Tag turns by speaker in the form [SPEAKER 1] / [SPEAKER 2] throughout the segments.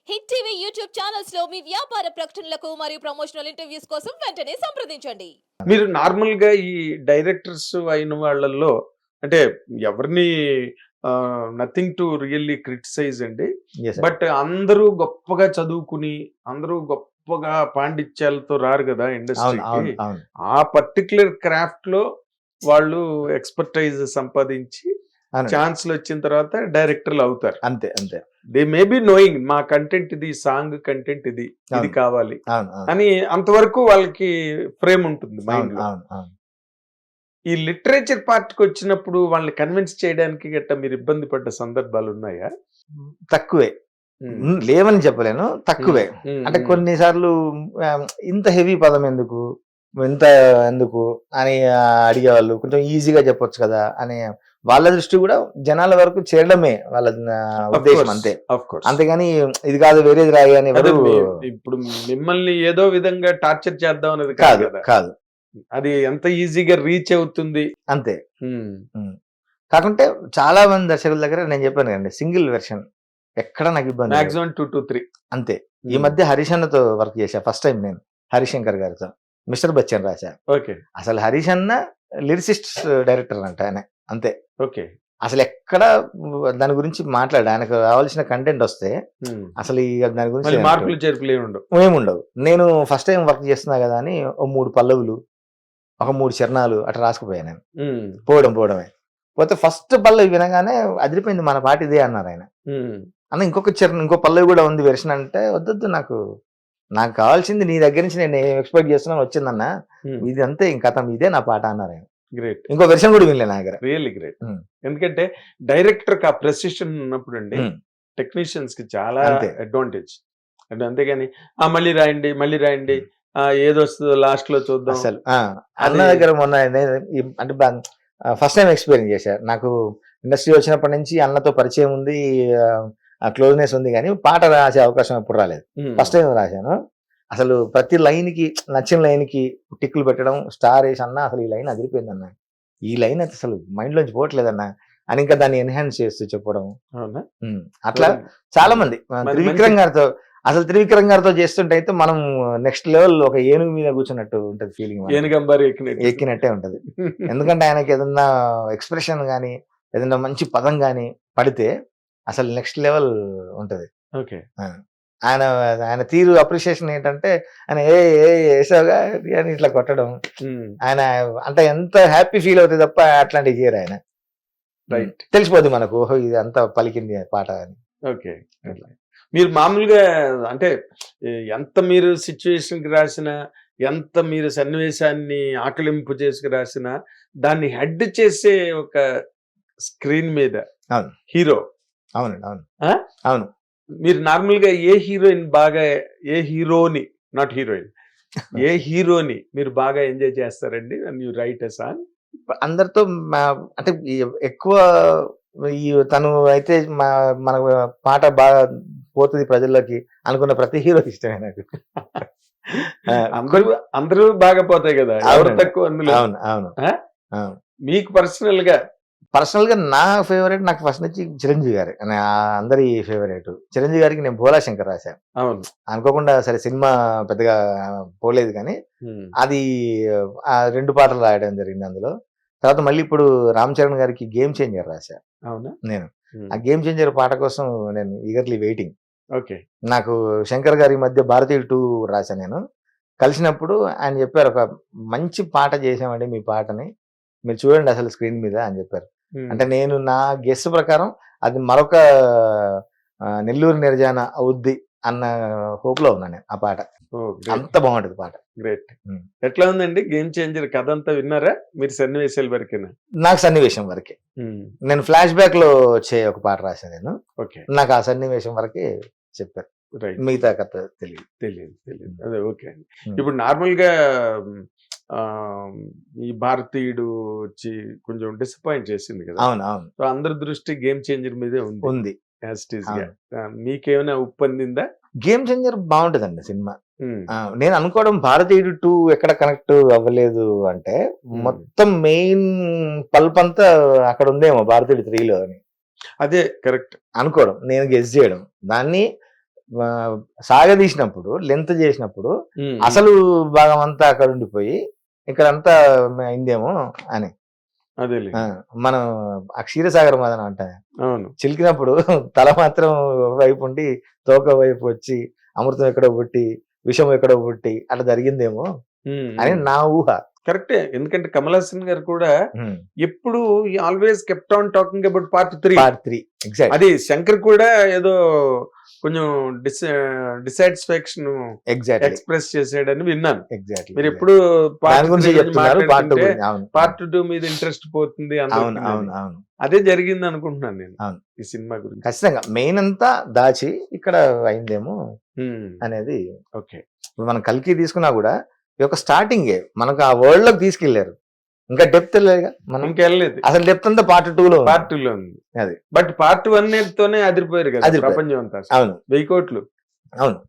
[SPEAKER 1] Hit TV YouTube channels లో మీ వ్యాపార ప్రకటనలకు మరియు ప్రమోషనల్ ఇంటర్వ్యూస్ కోసం వెంటనే సంప్రదించండి.
[SPEAKER 2] మీరు నార్మల్ గా ఈ డైరెక్టర్స్ అయిన వాళ్ళల్లో అంటే ఎవరిని నథింగ్ టు రియల్లీ క్రిటిసైజ్ అండి.
[SPEAKER 3] Yes, sir.
[SPEAKER 2] బట్ అందరూ గొప్పగా చదువుకుని అందరూ గొప్పగా పాండిత్యాలతో రారు కదా
[SPEAKER 3] అవును
[SPEAKER 2] ఇండస్ట్రీకి.
[SPEAKER 3] అవును అవును
[SPEAKER 2] ఆ పర్టికులర్ క్రాఫ్ట్ లో వాళ్ళు ఎక్స్పర్టైజ్ సంపాదించి
[SPEAKER 3] అవునండి.
[SPEAKER 2] ఛాన్స్లు వచ్చిన తర్వాత డైరెక్టర్లు అవుతారు.
[SPEAKER 3] అంతే అంతే
[SPEAKER 2] దే మే బి నోయింగ్ మా కంటెంట్ ఇది, సాంగ్ కంటెంట్ ఇది
[SPEAKER 3] అవును.
[SPEAKER 2] కావాలి
[SPEAKER 3] అవును అవును
[SPEAKER 2] అని అంతవరకు వాళ్ళకి ఫ్రేమ్ ఉంటుంది మైండ్
[SPEAKER 3] అవును
[SPEAKER 2] లో.
[SPEAKER 3] అవును అవును
[SPEAKER 2] ఈ లిటరేచర్ పార్ట్ కి వచ్చినప్పుడు వాళ్ళని కన్విన్స్ చేయడానికి గట్ట మీరు ఇబ్బంది పడ్డ సందర్భాలు ఉన్నాయా?
[SPEAKER 3] తక్కువే. లేవని చెప్పలేను, తక్కువే. అంటే కొన్నిసార్లు ఆ, ఇంత హెవీ పదం ఎందుకు, ఇంత ఎందుకు అని అడిగేవాళ్ళు. కొంచెం ఈజీగా చెప్పొచ్చు కదా అని వాళ్ళ దృష్టి కూడా జనాల వరకు చేరడమే వాళ్ళ ఉద్దేశం అంతే. అంతేగాని ఇది కాదు వేరేది రాయి అని ఎవరు
[SPEAKER 2] ఇప్పుడు మిమ్మల్ని ఏదో విధంగా టార్చర్ చేద్దాం అనేది
[SPEAKER 3] కాదు
[SPEAKER 2] కాదు కదా.
[SPEAKER 3] కాదు
[SPEAKER 2] అది ఎంత ఈజీగా రీచ్ అవుతుంది.
[SPEAKER 3] అంతే. కాకుంటే చాలా మంది దర్శకుల దగ్గర నేను చెప్పాను కదండి, సింగిల్ వెర్షన్ ఎక్కడ నాకు ఇబ్బంది లేదు.
[SPEAKER 2] Maximum 2 to 3.
[SPEAKER 3] అంతే. ఈ మధ్య హరీష్ అన్నతో వర్క్ చేశా ఫస్ట్ టైం నేను, హరిశంకర్ గారితో మిస్టర్ బచ్చన్ రాశా.
[SPEAKER 2] ఓకే
[SPEAKER 3] అసలు హరీష్ అన్న లిరిసిస్ట్ డైరెక్టర్ అంట ఆయన, అంతే.
[SPEAKER 2] ఓకే
[SPEAKER 3] అసలు ఎక్కడ దాని గురించి మాట్లాడు, ఆయనకు కావాల్సిన కంటెంట్ వస్తే అసలు దాని గురించి
[SPEAKER 2] మార్పులు చేర్పులు ఏమి ఉండవు.
[SPEAKER 3] ఏముండవు. నేను ఫస్ట్ టైం వర్క్ చేస్తున్నా కదా అని ఓ 3 పల్లవులు, ఒక 3 చరణాలు అట్లా రాసుకుపోయాను నేను. పోవడమే. పోతే ఫస్ట్ పల్లవి వినగానే అదిరిపోయింది, మన పాట ఇదే అన్నారు ఆయన. అన్న ఇంకొక చరణం, ఇంకో పల్లవి కూడా ఉంది వెర్షన్ అంటే, వద్దొద్దు నాకు కావాల్సింది నీ దగ్గర నుంచి నేను ఎక్స్పెక్ట్ చేస్తున్నాను వచ్చిందన్న, ఇది అంతే, ఇంకా ఇదే నా పాట అన్నారు ఆయన.
[SPEAKER 2] గ్రేట్.
[SPEAKER 3] ఇంకో వెర్షన్ కూడా వినలే నా దగ్గర.
[SPEAKER 2] Really great. ఎందుకంటే డైరెక్టర్ కి ఆ ప్రెసిషన్ ఉన్నప్పుడు అండి టెక్నీషియన్స్ కి చాలా
[SPEAKER 3] అంతే.
[SPEAKER 2] అడ్వాంటేజ్. అంటే అంతేగాని మళ్ళీ రాయండి ఏదో వస్తుందో లాస్ట్ లో చూద్దాం.
[SPEAKER 3] అసలు అన్న దగ్గర మొన్న అంటే ఫస్ట్ టైం ఎక్స్పీరియన్స్ చేశారు. నాకు ఇండస్ట్రీ వచ్చినప్పటి నుంచి అన్నతో పరిచయం ఉంది, క్లోజ్నెస్ ఉంది, కానీ పాట రాసే అవకాశం ఎప్పుడు రాలేదు. ఫస్ట్ టైం రాశాను. అసలు ప్రతి లైన్ కి, నచ్చిన లైన్ కి టిక్కులు పెట్టడం, స్టార్ వేసి అన్న అసలు ఈ లైన్ అదిరిపోయింది అన్న, ఈ లైన్ అయితే అసలు మైండ్ లోంచి పోవట్లేదన్న అని ఇంకా దాన్ని ఎన్హాన్స్ చేస్తూ చెప్పడం. అట్లా చాలా మంది త్రివిక్రమ్ గారితో చేస్తుంటే అయితే మనం నెక్స్ట్ లెవెల్, ఒక ఏనుగు మీద కూర్చున్నట్టు ఉంటది ఫీలింగ్, ఎక్కినట్టే ఉంటది. ఎందుకంటే ఆయనకి ఏదన్నా ఎక్స్ప్రెషన్ గానీ, ఏదన్నా మంచి పదం గానీ పడితే అసలు నెక్స్ట్ లెవెల్ ఉంటది.
[SPEAKER 2] ఓకే.
[SPEAKER 3] ఆయన తీరు అప్రిషియేషన్ ఏంటంటే, ఆయన వేసావుగా అని ఇట్లా కొట్టడం, ఆయన అంటే ఎంత హ్యాపీ ఫీల్ అవుతుంది తప్ప అట్లాంటివి చేయరు ఆయన.
[SPEAKER 2] రైట్.
[SPEAKER 3] తెలిసిపోద్ది మనకు, ఓహో ఇది అంతా పలికింది పాట అని.
[SPEAKER 2] ఓకే. మీరు మామూలుగా అంటే ఎంత మీరు సిచ్యువేషన్ కి రాసినా, ఎంత మీరు సన్నివేశాన్ని ఆకలింపు చేసుకు రాసినా, దాన్ని హెడ్ చేసే ఒక స్క్రీన్ మీద
[SPEAKER 3] అవును
[SPEAKER 2] హీరో.
[SPEAKER 3] అవునండి అవును అవును.
[SPEAKER 2] మీరు నార్మల్ గా ఏ హీరోయిన్ బాగా, ఏ హీరోని, నాట్ హీరోయిన్, ఏ హీరోని మీరు బాగా ఎంజాయ్ చేస్తారండి యు రైట్ ఎ సాంగ్?
[SPEAKER 3] అందరితో అంటే ఎక్కువ తను అయితే మన పాట బాగా పోతుంది ప్రజల్లోకి అనుకున్న ప్రతి హీరో ఇష్టమే నాకు.
[SPEAKER 2] అందరూ బాగా పోతాయి కదా, ఎవరు తక్కువ అందులో?
[SPEAKER 3] అవును అవును.
[SPEAKER 2] మీకు పర్సనల్ గా
[SPEAKER 3] నా ఫేవరెట్ నాకు ఫస్ట్ నుంచి చిరంజీవి గారు, అందరి ఫేవరెట్. చిరంజీవి గారికి నేను భోలా శంకర్ రాశాను.
[SPEAKER 2] అవును.
[SPEAKER 3] అనుకోకుండా, సరే సినిమా పెద్దగా పోలేదు కానీ అది 2 పాటలు రాయడం జరిగింది అందులో. తర్వాత మళ్ళీ ఇప్పుడు రామ్ చరణ్ గారికి గేమ్ చేంజర్ రాశా.
[SPEAKER 2] అవునా?
[SPEAKER 3] నేను ఆ గేమ్ చేంజర్ పాట కోసం నేను ఈగర్లీ వెయిటింగ్.
[SPEAKER 2] ఓకే.
[SPEAKER 3] నాకు శంకర్ గారి మధ్య భారతీయుడు 2 రాశా. నేను కలిసినప్పుడు ఆయన చెప్పారు, ఒక మంచి పాట చేసామండి మీ పాటని, మీరు చూడండి అసలు స్క్రీన్ మీద అని చెప్పారు. అంటే నేను నా గెస్ ప్రకారం అది మరొక నెల్లూరు నిర్జాన అవుద్ది అన్న హోప్ లో ఉన్నాను ఆ పాట. అంత బాగుంటది పాట.
[SPEAKER 2] గ్రేట్. ఎట్లా ఉందండి గేమ్ చేంజర్? కథ అంతా విన్నారా మీరు? సన్నివేశాల వరకేనా?
[SPEAKER 3] నాకు సన్నివేశం వరకే. నేను ఫ్లాష్ బ్యాక్ లో వచ్చే ఒక పాట రాశాను నేను.
[SPEAKER 2] ఓకే.
[SPEAKER 3] నాకు ఆ సన్నివేశం వరకే చెప్పారు, మిగతా కథ తెలియదు.
[SPEAKER 2] అదే ఓకే అండి. ఇప్పుడు నార్మల్ గా ఈ భారతీయుడు వచ్చి కొంచెం డిసప్పాయింట్ చేసింది కదా.
[SPEAKER 3] అవును అవును.
[SPEAKER 2] సో అందరి దృష్టి గేమ్ చేంజర్ మీదే ఉంది. మీకేమైనా ఉప్పొందిందా?
[SPEAKER 3] గేమ్ చేంజర్ బాగుంటదండి సినిమా. నేను అనుకోవడం భారతీయుడు 2 ఎక్కడ కనెక్ట్ అవ్వలేదు అంటే, మొత్తం మెయిన్ పల్ప్ అంతా అక్కడ ఉందేమో భారతీయుడు 3లో అని.
[SPEAKER 2] అదే కరెక్ట్
[SPEAKER 3] అనుకోవడం, నేను గెస్ చేయడం. దాన్ని సాగదీసినప్పుడు లెంత్ చేసినప్పుడు అసలు భాగం అంతా అక్కడ ఉండిపోయి ఇక్కడ అంతా అయిందేమో అని.
[SPEAKER 2] అదేలే.
[SPEAKER 3] మనం ఆ క్షీరసాగర్ మదన అంట
[SPEAKER 2] అవును.
[SPEAKER 3] చిలికినప్పుడు తల మాత్రం వైపు ఉండి తోక వైపు వచ్చి అమృతం ఎక్కడో పుట్టి విషం ఎక్కడో పుట్టి అట్లా జరిగిందేమో అని నా ఊహ.
[SPEAKER 2] కరెక్టే. ఎందుకంటే కమల్ హాసన్ గారు కూడా ఎప్పుడు always kept on talking about part 3.
[SPEAKER 3] Part 3 exact.
[SPEAKER 2] అది శంకర్ కూడా ఏదో కొంచెం డిసాటిస్ఫాక్షన్
[SPEAKER 3] ఎగ్జాక్ట్లీ
[SPEAKER 2] ఎక్స్ప్రెస్ చేసాడని విన్నాను.
[SPEAKER 3] ఎగ్జాక్ట్లీ
[SPEAKER 2] మీరు ఎప్పుడు
[SPEAKER 3] దాని గురించి చెప్తున్నారు. పార్ట్ 2 అవును
[SPEAKER 2] పార్ట్ 2 మీద ఇంట్రెస్ట్ పోతుంది
[SPEAKER 3] అవును
[SPEAKER 2] అందరికీ
[SPEAKER 3] అవును
[SPEAKER 2] అని.
[SPEAKER 3] అవును
[SPEAKER 2] అదే జరిగింది అనుకుంటున్నాను నేను
[SPEAKER 3] అవును.
[SPEAKER 2] ఈ సినిమా గురించి.
[SPEAKER 3] ఖచ్చితంగా మెయిన్ అంతా దాచి ఇక్కడ అయిందేమో అనేది.
[SPEAKER 2] ఓకే.
[SPEAKER 3] ఇప్పుడు మనం కల్కి తీసుకున్నా కూడా ఈ యొక్క స్టార్టింగే మనకు ఆ వరల్డ్ లోకి తీసుకెళ్లారు. ఇంకా డెప్త్ లేదుగా మనం.
[SPEAKER 2] ఇంకెళ్ళలేదు.
[SPEAKER 3] అసలు డెప్త్ అంతా పార్ట్ 2 లో
[SPEAKER 2] పార్ట్ 2 లో ఉంది.
[SPEAKER 3] అది.
[SPEAKER 2] బట్ పార్ట్ 1 తోనే అదిరిపోయారు కదా
[SPEAKER 3] అదిరిపోయారు.
[SPEAKER 2] ప్రపంచం అంతా.
[SPEAKER 3] అవును
[SPEAKER 2] 1000 కోట్లు.
[SPEAKER 3] అవును.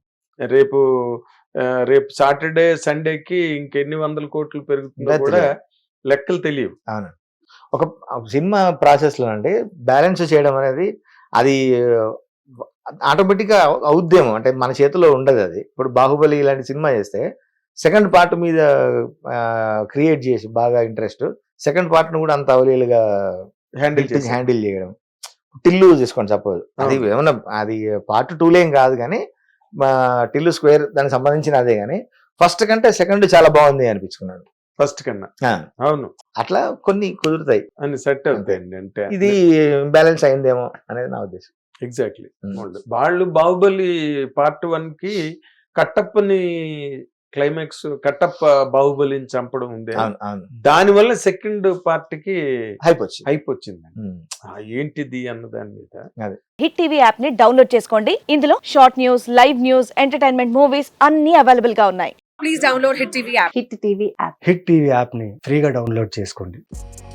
[SPEAKER 2] రేపు సాటర్డే సండేకి ఇంకెన్ని వందల కోట్లు పెరుగుతుందో
[SPEAKER 3] ఇంకా
[SPEAKER 2] కూడా
[SPEAKER 3] తెలియదు.
[SPEAKER 2] లెక్కలు తెలియవు.
[SPEAKER 3] అవును. ఒక సినిమా ప్రాసెస్ లో అండి బ్యాలెన్స్ చేయడం అనేది అది ఆటోమేటిక్ గా అవుద్దేమో, అంటే మన చేతిలో ఉండదు అది. ఇప్పుడు బాహుబలి ఇలాంటి సినిమా చేస్తే సెకండ్ పార్ట్ మీద క్రియేట్ చేసి బాగా ఇంట్రెస్ట్, సెకండ్ పార్ట్ ను కూడా అంత అవలీలుగా హ్యాండిల్ చేయడం. టిల్లు తీసుకోండి సపోజ్, అది ఏమన్నా అది పార్ట్ 2 లేం కాదు కానీ టిల్లు స్క్వేర్ దానికి సంబంధించిన అదే, కానీ ఫస్ట్ కంటే సెకండ్ చాలా బాగుంది అనిపించుకున్నాడు
[SPEAKER 2] ఫస్ట్ కన్నా. అవును.
[SPEAKER 3] అట్లా కొన్ని కుదురుతాయి
[SPEAKER 2] అని సెట్ అవుతాయండి. అంటే
[SPEAKER 3] ఇది బ్యాలెన్స్ అయిందేమో అనేది నా ఉద్దేశం.
[SPEAKER 2] ఎగ్జాక్ట్లీ. వాళ్ళు బాహుబలి పార్ట్ 1 కి కట్టప్పని క్లైమాక్స్, కట్టప్ప బాహుబలిని చంపడం ఉంది, దాని వల్ల సెకండ్ పార్ట్ కి హైప్ వచ్చింది. ఏంటిది అన్న దాని మీద.
[SPEAKER 4] హిట్ టీవీ యాప్ ని డౌన్లోడ్ చేసుకోండి. ఇందులో short news, live news, entertainment movies అన్ని అవైలబుల్ గా ఉన్నాయి. Please download hit TV app.
[SPEAKER 5] Hit TV app ని ఫ్రీగా డౌన్లోడ్ చేసుకోండి.